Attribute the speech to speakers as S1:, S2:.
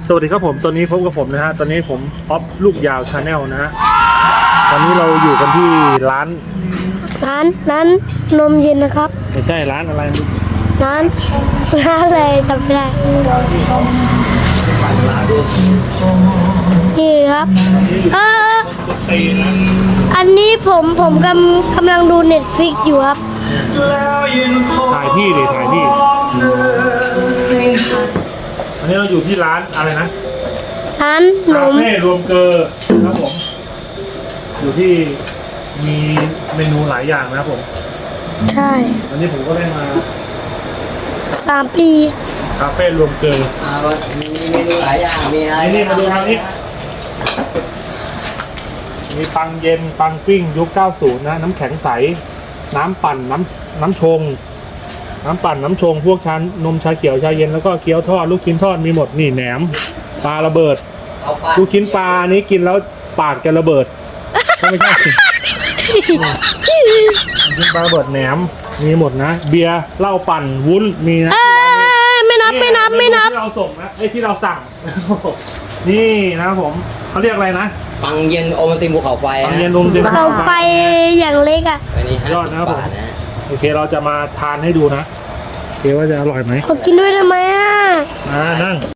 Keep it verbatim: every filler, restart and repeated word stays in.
S1: สวัสดีครับผมตอนนี้พบกับผมนะฮะตอนนี้ผมออฟลูกยาวชาแนลนะฮะตอนนี้เราอยู่กันที่ร้าน
S2: ร้านร้านนมเย็นนะครับ
S1: ไม่ใช่ร้านอะไร
S2: ร้านร้านอะไรจำไม่ได้นี่ครับเออ
S1: ตีนะ
S2: อันนี้ผมผมกำกำลังดูเน็ตฟิกอยู่ครับ
S1: ถ่ายพี่ดิถ่ายพี่อันนี้เราอยู่ที่ร้านอะไรนะ
S2: ร้านน
S1: คาม เฟ่รวมเกอร์ครับผมอยู่ที่มีเมนูหลายอย่างนะครับผม
S2: ใช่
S1: วันนี้ผมก็ได้มา
S2: สามปี
S1: คาเฟ่รวมเกอร์
S3: อ่ามีเมนูหลายอย่าง มีอะไร
S1: นี่มาดูทางนี้มีปังเย็นปังปิ้งยุคเก้าสิบนะน้ำแข็งใสน้ำปั่นน้ำน้ำชง น้ำปั่นน้ำชงพวกชั้นนมชาเขียวชาเย็นแล้วก็เกี๊ยวทอดลูกชิ้นทอดมีหมดนี่แหนมปลาระเบิด
S3: เอาปลา
S1: ลูกชิ้นปลาอันนี้กินแล้วปากจะระเบิดก็ไม่ใช่สิลูกชิ้นปลาระเบิดแหนมมีหมดนะ เบียร์เหล้าปั่นวุ้นมีนะ
S2: เอ้ยไม่นับไม่นับไม่นับ
S1: ที่เราส่งนะไอ้ยที่เราสั่ง นี่นะครับผมเขาเรียกอะไรนะ
S3: ปังเย็นโอมันติมภูเขาไฟ
S1: ปัง
S3: ฮะ
S1: เย็นนมเต็ม
S2: เขาไปอย่างเล็กอ่ะ
S3: อันนี้ห้าย
S1: อด
S3: สิ
S1: นะครับ
S3: บ
S1: ผม
S3: บาทนะ
S1: โอเคเราจะมาทานให้ดูนะโอเคว่าจะอร่อยไหม
S2: ขอกินด้วยทำไมอ่ะ
S1: อ่านั่ง